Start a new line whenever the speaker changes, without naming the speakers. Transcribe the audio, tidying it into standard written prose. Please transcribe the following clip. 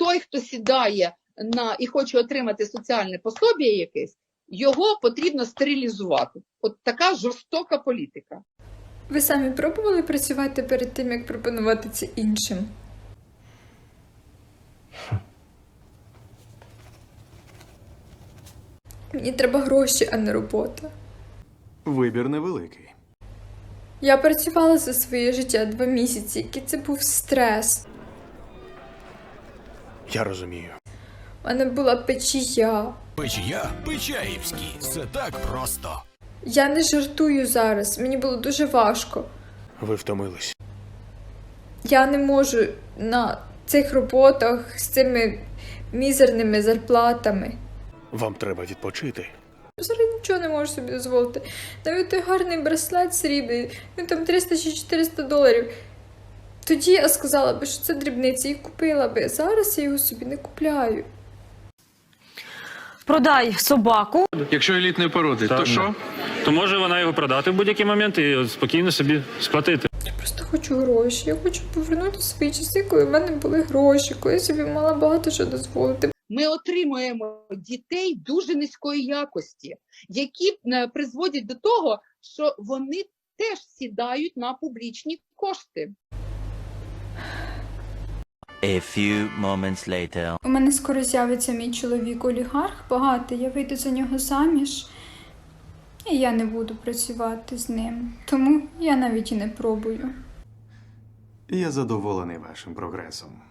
той, хто сідає і хоче отримати соціальне пособі якесь, його потрібно стерилізувати. От така жорстока політика.
Ви самі пробували працювати перед тим, як пропонувати це іншим? Мені треба гроші, а не робота.
Вибір невеликий.
Я працювала за своє життя 2 місяці, який це був стрес.
Я розумію.
У мене була печія.
Печія Печаївський. Це так просто.
Я не жартую зараз, мені було дуже важко.
Ви втомились.
Я не можу на цих роботах з цими мізерними зарплатами.
Вам треба відпочити.
Зараз нічого не можу собі дозволити. Навіть той гарний браслет срібний, він там 300 чи 400 доларів. Тоді я сказала би, що це дрібниці і купила би. Зараз я його собі не купляю.
Продай собаку.
Якщо елітної породи, то що?
То може вона його продати в будь-який момент і спокійно собі сплатити.
Я просто хочу гроші. Я хочу повернути свої часи, коли в мене були гроші, коли я собі мала багато що дозволити.
Ми отримуємо дітей дуже низької якості, які призводять до того, що вони теж сідають на публічні кошти.
A few moments later.
У мене скоро з'явиться мій чоловік-олігарх, багатий, я вийду за нього заміж, і я не буду працювати з ним. Тому я навіть і не пробую.
Я задоволений вашим прогресом.